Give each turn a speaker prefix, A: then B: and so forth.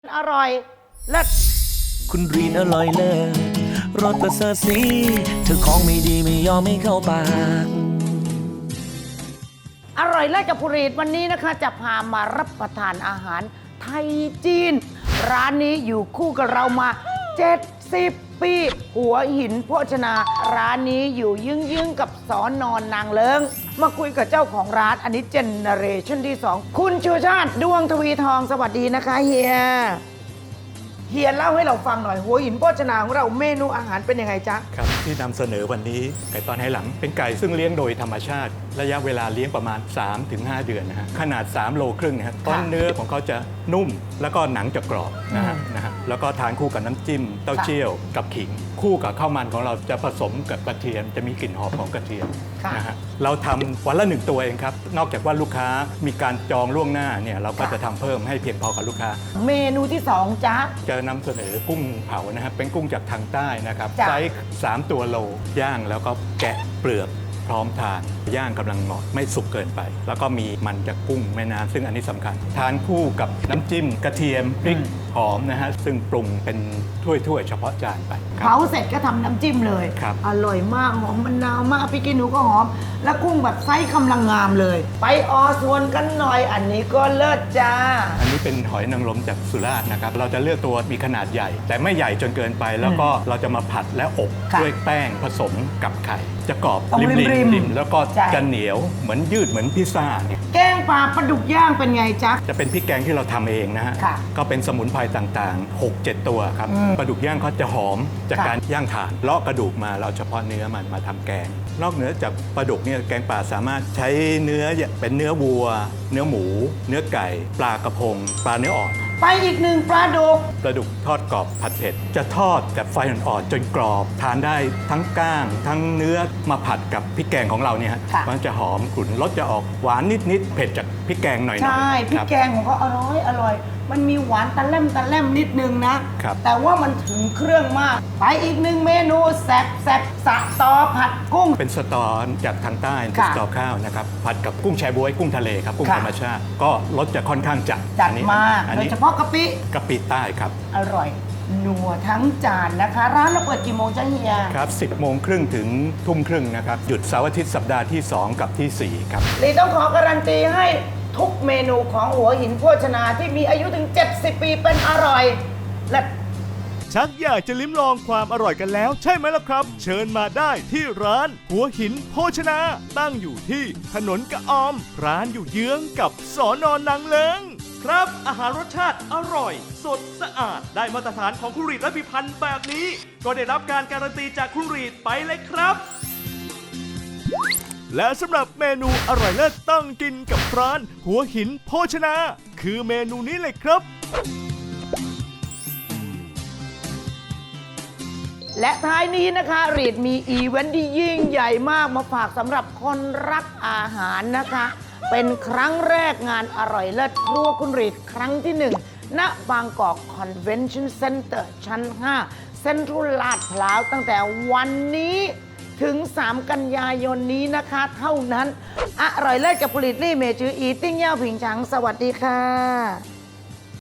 A: อร่อยเลิศ
B: คุณรีนอร่อยเลิศรสประเสริฐสีเธอของไม่ดีไม่ยอมไม่เข้าปาก
A: อร่อยเลิศกับภูรีดวันนี้นะคะจะพามารับประทานอาหารไทยจีนร้านนี้อยู่คู่กับเรามา70 ปีหัวหินโภชนาร้านนี้อยู่ยึงๆกับสอนอนนางเลิงมาคุยกับเจ้าของร้านอันนี้เจเนเรชั่นที่2คุณชูชาติดวงทวีทองสวัสดีนะคะเฮียเล่าให้เราฟังหน่อยหัวหินโภชนาของเราเมนูอาหารเป็นยังไงจ๊ะ
C: ครับที่นำเสนอวันนี้ไก่ตอนไหหลังเป็นไก่ซึ่งเลี้ยงโดยธรรมชาติระยะเวลาเลี้ยงประมาณ 3-5 เดือนนะฮะขนาด3 โลครึ่งนะฮะต้นเนื้อของเขาจะนุ่มแล้วก็หนังจะกรอบนะฮะแล้วก็ทานคู่กับน้ำจิ้มเต้าเจี้ยวกับขิงคู่กับข้าวมันของเราจะผสมกับกระเทียมจะมีกลิ่นหอมของกระเทียมนะฮะเราทำวันละ1 ตัวเองครับนอกจากว่าลูกค้ามีการจองล่วงหน้าเนี่ยเราก็จะทำเพิ่มให้เพียงพอกับลูกค้า
A: เมนูที่2จ๊ะ
C: จะนำเสนอกุ้งเผานะครับเป็นกุ้งจากทางใต้นะครับไซส์3 ตัวโลย่างแล้วก็แกะเปลือกพร้อมทานย่างกำลังเหมาะไม่สุกเกินไปแล้วก็มีมันจากกุ้งแม่น้ำซึ่งอันนี้สำคัญทานคู่กับน้ำจิ้มกระเทียมพริกหอมนะฮะซึ่งปรุงเป็นถ้วยๆเฉพาะจานไป
A: เผาเสร็จก็ทำน้ำจิ้มเลยอร่อยมากหอมมะนาวมากพี่กินหนูก็หอมและกุ้งแบบไซส์กำลังงามเลยไปออส่วนกันหน่อยอันนี้ก็เลิศจ้า
C: อันนี้เป็นหอยนางรมจากสุราษฎร์นะครับเราจะเลือกตัวมีขนาดใหญ่ แต่ไม่ใหญ่จนเกินไปแล้วก็เราจะมาผัดและอบด้วยแป้งผสมกับไข่จะกรอบริมแล้วก็จะเหนียวเหมือนยืดเหมือนพิซซ่าเนี่ย
A: แกงปลาปลาดุกย่างเป็นไงจ๊ะ
C: จะเป็นพริกแกงที่เราทำเองนะฮะก็เป็นสมุนไพรต่างๆ 6-7 ตัวครับปลาดุกย่างเขาจะหอมจากการย่างถ่านเลาะกระดูกมาเราเฉพาะเนื้อมันมาทำแกงนอกเหนือจากปลาดุกเนี่ยแกงป่าสามารถใช้เนื้อเป็นเนื้อวัวเนื้อหมูเนื้อไก่ปลากระพงปลาเนื้ออ่อน
A: ไปอีกหนึ่งปลาดุก
C: ทอดกรอบผัดเผ็ดจะทอดแบบไฟอ่อนๆจนกรอบทานได้ทั้งก้างทั้งเนื้อมาผัดกับพริกแกงของเราเนี่ยฮะมันจะหอมกลุ่นรสจะออกหวานนิดๆเผ็ดจากพริกแกงหน่อยๆ
A: ใช่พริกแกงของเขาอร่อยมันมีหวานตะแล่มนิดนึงนะแต่ว่ามันถึงเครื่องมากไปอีกหนึ่งเมนูแซ่บสะตอผัดกุ้ง
C: เป็นสตอจากทางใต้เป็นสตอข้าวนะครับผัดกับกุ้งแชบ๊วยกุ้งทะเลครับกุ้งธรรมชาติก็รสจะค่อนข้างจัด
A: มากโดยเฉพาะกะ
C: ปิใต้ครับ
A: อร่อยนัวทั้งจานนะคะร้านเราเปิดกี่โมงจ๊ะเฮีย
C: ครับ10 โมงครึ่งถึงทุ่มครึ่งนะครับหยุดเสาร์อาทิตย์สัปดาห์ที่2กับที่4ครับ
A: ลีต้องขอการันตีให้ทุกเมนูของหัวหินโภชนาที่มีอายุถึง70 ปีเป็นอร่อยและ
D: ชักอยากจะลิ้มลองความอร่อยกันแล้วใช่ไหมล่ะครับเชิญมาได้ที่ร้านหัวหินโภชนาตั้งอยู่ที่ถนนกระออมร้านอยู่เยื้องกับสน.นางเลิ้งครับอาหารรสชาติอร่อยสดสะอาดได้มาตรฐานของคุณรีดและพิพันธ์แบบนี้ก็ได้รับการการันตีจากคุณรีดไปเลยครับและสำหรับเมนูอร่อยเลิศต้องกินกับร้านหัวหินโภชนาคือเมนูนี้เลยครับ
A: และท้ายนี้นะคะรีดมีอีเวนต์ที่ยิ่งใหญ่มากมาฝากสำหรับคนรักอาหารนะคะเป็นครั้งแรกงานอร่อยเลิศครัวคุณรีดครั้งที่1ณบางกอกคอนเวนชั่นเซ็นเตอร์ชั้น5เซ็นทรัลลาดพร้าวตั้งแต่วันนี้ถึง3 กันยายนนี้นะคะเท่านั้นอร่อยเลิศกับผลิตลี่เมจืออีติ้งเย่าผิงฉังสวัสดีค่ะ